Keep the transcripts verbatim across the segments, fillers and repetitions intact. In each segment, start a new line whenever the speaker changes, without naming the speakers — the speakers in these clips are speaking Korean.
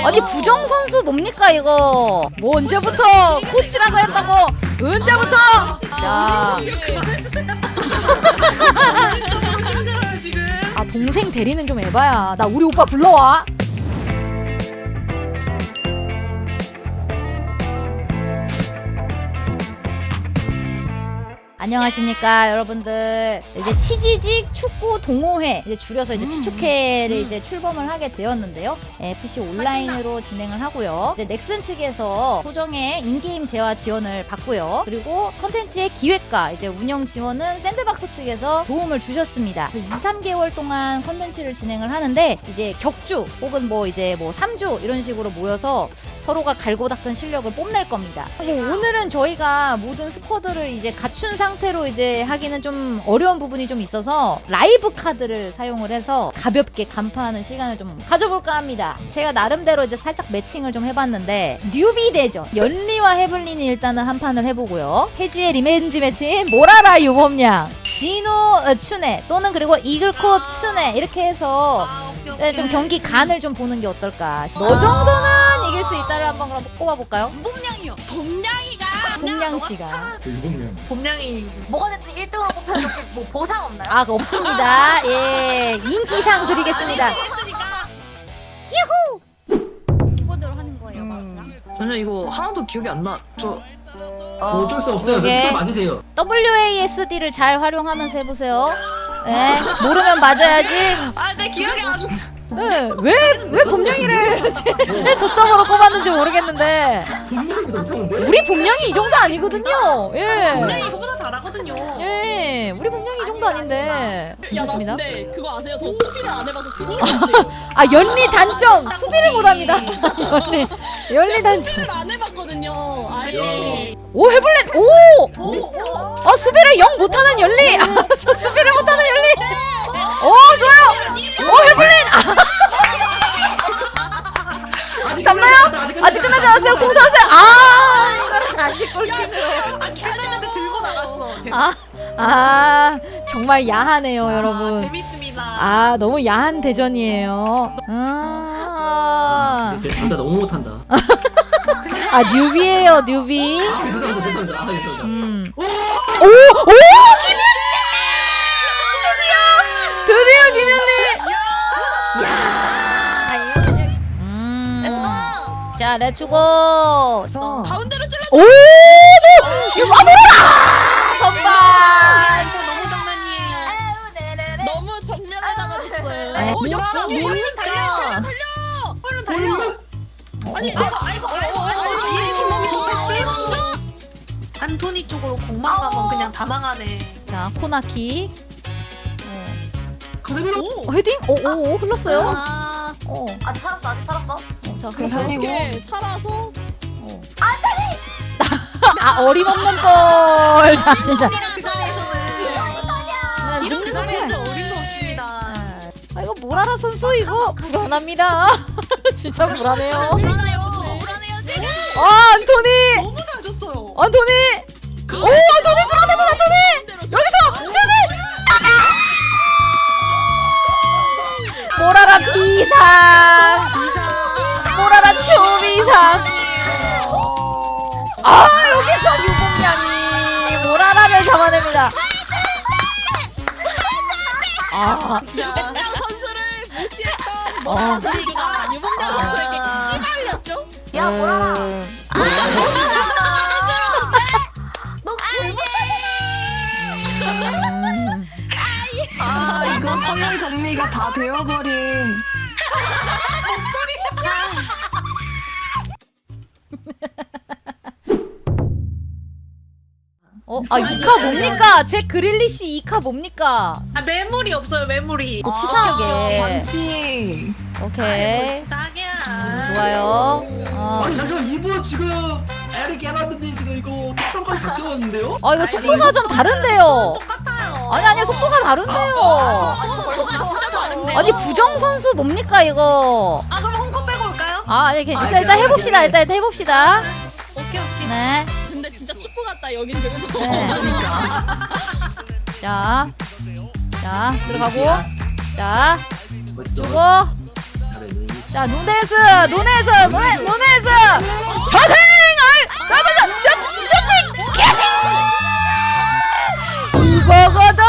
아니 부정 선수 뭡니까 이거? 뭐 언제부터 코치라고 했다고? 언제부터? 자,
힘들어요 지금.
아 동생 대리는 좀 해봐야. 나 우리 오빠 불러와. 안녕하십니까 여러분들. 이제 치지직 축구 동호회, 이제 줄여서 이제 치축회를 이제 출범을 하게 되었는데요. 에프씨 온라인으로 진행을 하고요. 이제 넥슨 측에서 소정의 인게임 재화 지원을 받고요. 그리고 컨텐츠의 기획과 이제 운영 지원은 샌드박스 측에서 도움을 주셨습니다. 이, 삼 개월 동안 컨텐츠를 진행을 하는데 이제 격주 혹은 뭐 이제 뭐 삼 주 이런 식으로 모여서 서로가 갈고 닦은 실력을 뽐낼 겁니다. 뭐 오늘은 저희가 모든 스쿼드를 이제 갖춘 상태로 이제 하기는 좀 어려운 부분이 좀 있어서 라이브 카드를 사용을 해서 가볍게 간파하는 시간을 좀 가져볼까 합니다. 제가 나름대로 이제 살짝 매칭을 좀 해봤는데 뉴비 대전 연리와 해블린이 일단은 한 판을 해보고요. 페지의 리벤지 매치인 모라라 유범양, 진호 춘에 또는 그리고 이글코 춘에 이렇게 해서 네, 좀 경기 간을 좀 보는 게 어떨까. 너 정도는 이길 수 있다를 한번 그럼 꼽아볼까요?
봄냥이요. 봄냥이가.
봄냥씨가
일본면
봄냥이.
뭐가 됐든 일 등으로 뽑혀도 혹시 뭐 보상 없나요?
아 없습니다. 예, 인기상 드리겠습니다.
했으니까.
기본적으로 하는 거예요.
음.
전혀 이거 하나도 기억이 안 나. 저
뭐 어쩔 수 없어요.
그러게.
또 맞으세요.
더블유에이에스디를 잘 활용하면서 해보세요. 네, 모르면 맞아야지.
아, 내 기억이 안 나.
네, 왜, 왜 봄냥이를 제, 제 저점으로 꼽았는지 모르겠는데
분명히도 못하는데.
우리 봄냥이 이 정도 아니거든요.
봄냥이
예,
이거보다 잘하거든요.
예, 우리 봄냥이 이 정도 아닌데.
야, 나
괜찮습니다.
근데 그거 아세요? 저 수비를 안 해봐서 지금 같아요.
아 연리 단점 수비를 못합니다. 연리 연리 단점.
수비를 안 해봤거든요. 아예.
오 해블린 오. 어 수비를 영 못하는 연리. 아, 저 수비를 못하는 연리. 오 좋아요. 오 해블린. 아, 잡나요? 아직 끝나지 않았어요. 공사하세요. 아 이거를 다시 골키스로.
아, 캐나다한테 들고 나갔어.
아, 아 정말 야하네요
아,
여러분.
재밌습니다.
아 너무 야한 대전이에요. 아,
둘다 너무 못한다.
아 뉴비예요 뉴비.
아, 죄송합니다, 죄송합니다. 아, 죄송합니다.
음. 오! 오! 김현리! 드디어! 드디어 김현리! 야! 음. 자, 렛츠고!
가운데로 찔러.
오! 이거 와보라! 선발!
이거 너무 장난이에요.
너무 정면에다가 줬어요.
에,
어,
뭐야,
역전이에요.
뭡니까?
달려, 달려,
얼른 달려.
아니,
아이고, 아이고, 아이고, 아이고. 이 팀이 좋겠어요. 안토니 쪽으로 공만 가면 그냥 다 망하네.
자, 코나킥.
카드미로.
어, 헤딩? 오, 오, 오, 흘렀어요?
아,
어.
아직 살았어 아직 살았어.
어, 자,
이렇게 살아서
어. 아, 어림없는 걸. 자, 진짜. 나
이렇게
늙는
잘해서
걸.
어림도 없습니다.
아, 이거 모라라 선수 이거 불안합니다. 진짜 불안해요.
불안해요. 불안해요 지금.
아, 안토니!
너무 잘 줬어요.
안토니! 오, 안토니 불안해요, 안토니! 여기서 슛을! 모라라 비상! 모라라 초비상! 아, 여기서 유봉양이 모라라를 잡아냅니다. 아,
유봉장 선수를 무시했던
어.
모라 선수가 유봉장
아.
선수에게 찌발렸죠?
야 뭐라라.
음.
너
음.
아 이거 서열 정리가 다 되어버린.
어, 아, 이카 뭡니까? 제 그릴리시 이카 뭡니까?
아, 메모리 없어요, 메모리.
또 치사하게.
반칙.
오케이.
치사하게야.
좋아요. 어.
아, 잠시만 이분 지금 에릭 깨놨는데 지금 이거 특성까지 바뀌었는데요?
아, 이거 속도가 좀 다른데요.
똑같아요.
아니, 아니, 속도가 다른데요.
진짜 다른데.
아니, 부정 선수 뭡니까, 이거?
아, 그럼 홈코 빼고 올까요?
아, 아니, 일단,
아,
일단
괜찮아요,
해봅시다.
괜찮아요.
일단, 일단 해봅시다.
오케이, 오케이.
네.
근데 진짜 축구 같다. 여긴 되게
네. 자. 자, 들어가고. 자,
멋져.
주고.
잘했네.
자 누네즈 누네즈 누네 누네즈 셔팅 아 가면서 셔팅 셔팅 캐팅 이거거든.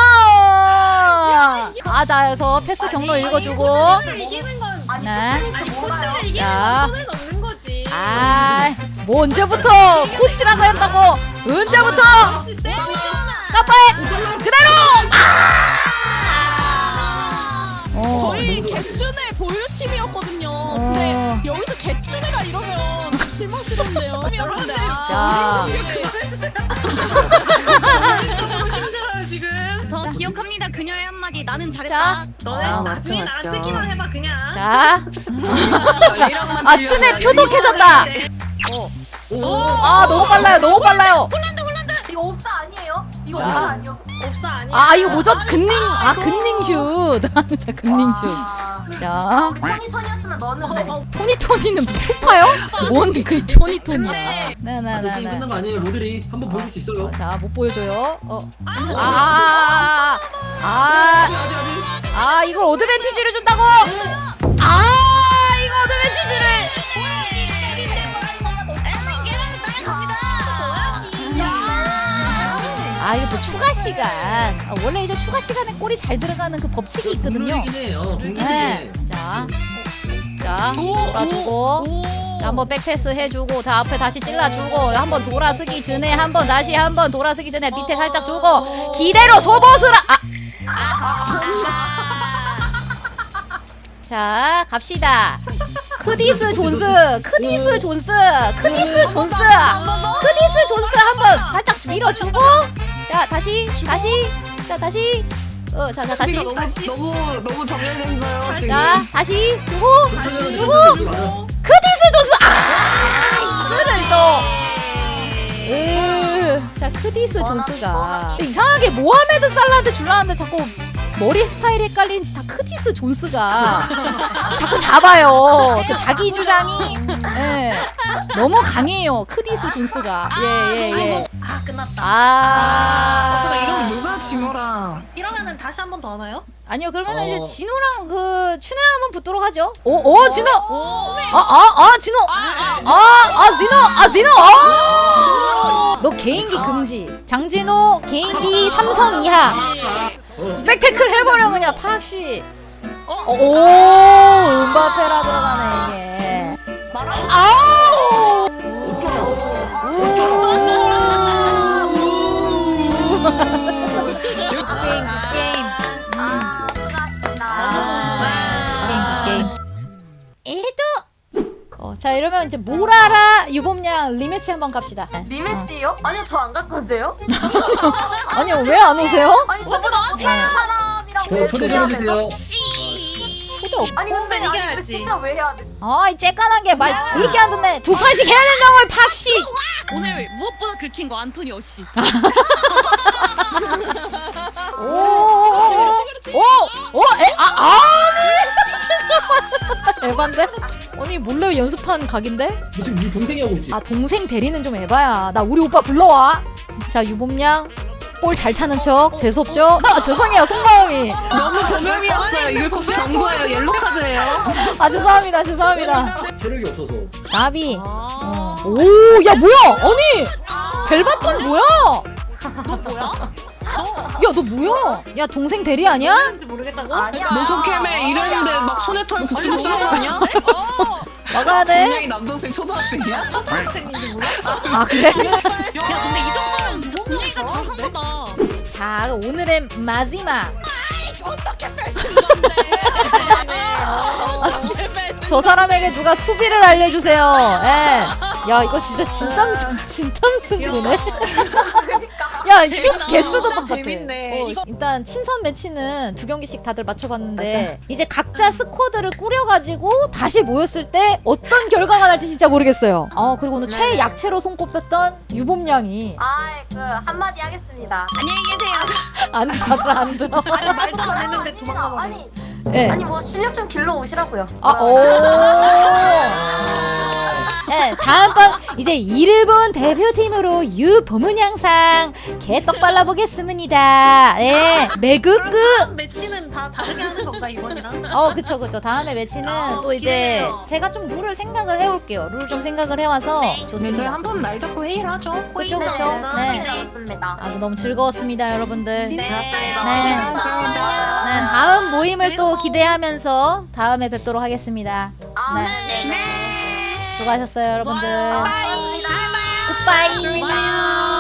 가자에서 패스 경로 읽어주고.
이기는 건
아니
네.
아니 코치를 이기는
자.
건 손에 넣는 거지.
아, 뭐 언제부터 코치라고 했다고? 언제부터? 까빠해 그대로. 아! 어.
저희 개춘의 보유 팀이었거든요. 근데 여기서 개춘애가 이러면 실망스럽네요. 여러분들.
자,
힘들어요 지금.
저 기억합니다. 그녀의 한마디. 나는
자,
잘했다.
너네
아,
나중에
맞죠, 맞죠.
나한테기만 해봐 그냥.
자, 아 춘에 표독해졌다. 아 너무 빨라요, 너무 빨라요.
이거 옵사 아니에요? 이거
자.
옵사 아니요?
없어 아니야.
아 이거 뭐죠? 근닝, 아 근닝 슛. 자 근닝 슛.
아,
자,
우리 토니토니였으면 넣었는데.
토니토니는 초파요? 뭔 그 토니토니야?
아직 게임
네네네네.
끝난 거 아니에요. 로드리 한번 보여줄 수 있어요.
자, 못 보여줘요. 어. 아, 아, 아, 아,
아직 아직 아직.
아, 이걸 어드밴티지를 준다고? 아, 이거 어드밴티지를. 아, 이거 또 추가 시간. 아, 원래 이제 추가 시간에 골이 잘 들어가는 그 법칙이 있거든요.
동물이긴 해요. 동물이긴
네.
해.
자, 자, 돌아주고. 자, 한번 백패스 해주고, 자, 앞에 다시 찔러주고, 한번 돌아서기 전에, 한번 다시 한번 돌아서기 전에 밑에 살짝 주고, 기대로 소버스라! 아! 자, 갑시다. 크디스 존스, 크디스 존스, 크디스 존스, 크디스 존스 한번 살짝 밀어주고, 자, 다시, 다시, 자, 다시, 어, 자, 자, 다시.
너무 너무 너무 정렬됐어요 지금.
자, 다시 주고,
천천히
누구?
천천히 맞아.
크디스 존스! 아! 이거를 또. 으, 자, 크디스 존스가. 이상하게 모하메드 살라한테 줄라는데 자꾸 머리 스타일이 헷갈리는지 다 크디스 존스가 자꾸 잡아요. 그 자기 주장이 예, 너무 강해요. 크디스 존스가. 예, 예, 예.
아 끝났다.
아.
제가 이러면 누가 진호라.
이러면은 다시 한 번 더 하나요?
아니요, 그러면
어.
이제 진호랑 그 춘혜랑 한번 붙도록 하죠. 오, 오, 진호! 아, 아, 아, 진호! 아, 아, 진호! 아, 진호! 아! 너 개인기 금지. 장진호, 개인기 삼성 이하.
어.
백태클 해버려, 그냥, 팍씨. 오, 음바페라 들어가네, 이게. 아우! 굿게임, 굿게임.
아, 수고하셨습니다.
아, 게임 게임. 에도. 어, 자 이러면 이제 모라라 유범양 리매치 한번 갑시다.
리매치요? 아니요, 저 안 갈 건데요?
아니요 왜 안 오세요?
아니, 저보다 못하는 사람이랑
저
왜
초대
해야
좀
되죠?
해주세요.
초대 없.
아니, 근데, 아니, 근데
이겨야지.
진짜 왜 해야 되지?
아이 째깐하게 말 들게 안 듣네. 두 판씩 해야 된다고 팍씨.
오늘 무엇보다 긁힌 거 안토니오 씨.
오오오오에아 아니 에반데? 아니 몰래 연습한 각인데?
너 지금 네 동생이 하고 있지.
아 동생 대리는 좀 에바야. 나 우리 오빠 불러와. 자 유범양 볼 잘 차는 척 재수없죠? 아 죄송해요 속마음이.
너무 조명이었어요. 이걸 코스 경고예요. 옐로 카드예요.
아 죄송합니다 죄송합니다.
체력이 없어서.
나비.
아.
오, 야 뭐야? 아니 벨바톤 뭐야?
너 뭐야?
야 너 뭐야? 야 동생 대리 아니야?
뭔지 모르겠다고?
아니야.
노소캠에 이랬는데 막 손에 털 붙이고 싸우냐?
막아야 돼.
분명히 남동생 초등학생이야?
초등학생인지 몰라?
아 그래?
야 근데 이 정도면 분위기가 잘한 거다.
자 오늘의 마지막.
어떻게 뺏은 건데?
저 사람에게 누가 수비를 알려주세요. 예. 야 이거 진짜 진땀 진땀 승부네. 야 슛 개수도 똑같아.
재밌네.
어, 일단 친선 매치는 두 경기씩 다들 맞춰봤는데 이제 각자 스쿼드를 꾸려가지고 다시 모였을 때 어떤 결과가 날지 진짜 모르겠어요. 어 그리고 오늘
네.
최약체로 손꼽혔던 유봄양이
아이, 그, 한마디 하겠습니다.
안녕히 계세요.
안 다들 안 들어.
아니 말도 안 했는데 도망가버려.
아니,
예.
아니, 뭐, 실력 좀 길러 오시라고요.
아 오. 예 다음번 이제 일본 대표팀으로 유보문 양상 개떡 발라보겠습니다. 예, 매그끄.
다음 매치는 다 다르게 하는 건가 이번이랑?
어, 그쵸, 그쵸. 다음에 매치는
아,
또 이제
기대돼요.
제가 좀 룰을 생각을 해올게요. 룰 좀 생각을 해와서
네.
네,
좋습니다.
저희 한 번 날 잡고 회의를 하죠.
그쵸,
네,
그쵸. 네.
네. 좋습니다.
아주 너무 즐거웠습니다, 여러분들.
네,
네.
감사합니다.
네, 다음 모임을 또 기대하면서 다음에 뵙도록 하겠습니다.
아,
네.
네. 네.
수고하셨어요, 여러분들.
감사합니다.
굿바이.
좋아요.